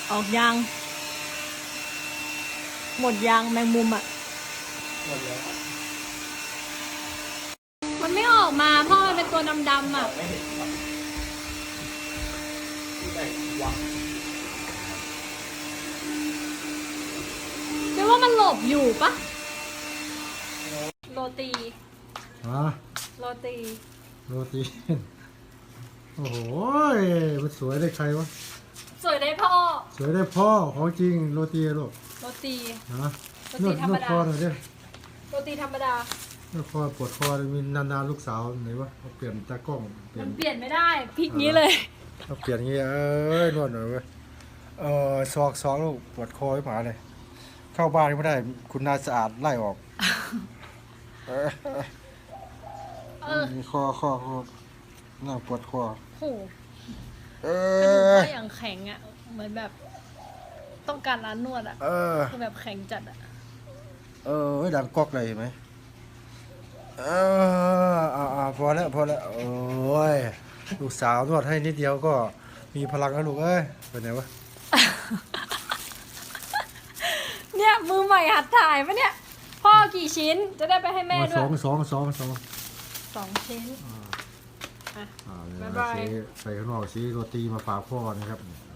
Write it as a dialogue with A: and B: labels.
A: ออกยางหมดยางแมงมุมอ่ะ
B: หมดแล้ว
A: มันไม่ออกมาเพราะมันเป็นตัวดำๆอ่ะ
B: ไม่เห็นครับที่ไหนวะ
A: เรียกว่ามันหลบอยู่ปะโรตี โรตี
C: โรตีโอ้โหมันสวยได้ใครวะ
A: สวยได้พ่อ
C: สวยได้พ่อของจริงโรตีลูก
A: โรตี
C: นะ
A: โร
C: น
A: ตี
C: วด
A: ธร
C: น
A: รม
C: วด
A: ดา
C: คอหน่อยดิ
A: โรตีธรรมดาน
C: วดคอปวดคอมีนานๆลูกสาวไหนวะเอาเปลี่ยนตากล้องเปลี่ย
A: มัน นเปลี่ยนไม่ได้พลิกนี้เลย
C: เอาเปลี่ยนอย่างงี้นวดหน่อยเว้ยซอกลูกปวดคอไอ้หมาเลยเข้าบ้านก็ไม่ได้คุณนายสะอาดไล่ออกมีคอน่าปวดคอ
A: โหก
C: เอ
A: ระดูก
C: อ
A: ก็อย่างแข็งอ่ะเหมือนแบบต้องการร้านนวดอ่ะคือแบบแข็งจัดอ่ะ
C: ดังก๊อกเลยเห็นไหมพอแล้วโอ้ยลูกสาวนวดให้นิดเดียวก็มีพลังแล้วลูกเอ้ยไปไหนวะ
A: เนี่ยมือใหม่หัดถ่ายปะเนี่ยพ่อกี่ชิ้นจะได้ไปให้แม่ด้วย
C: สอง
A: 2 ชิ้น
C: อ่า
A: บ๊ายบาย
C: ไปข้างนอกซื้อโรตีมาฝากพ่อนะครับ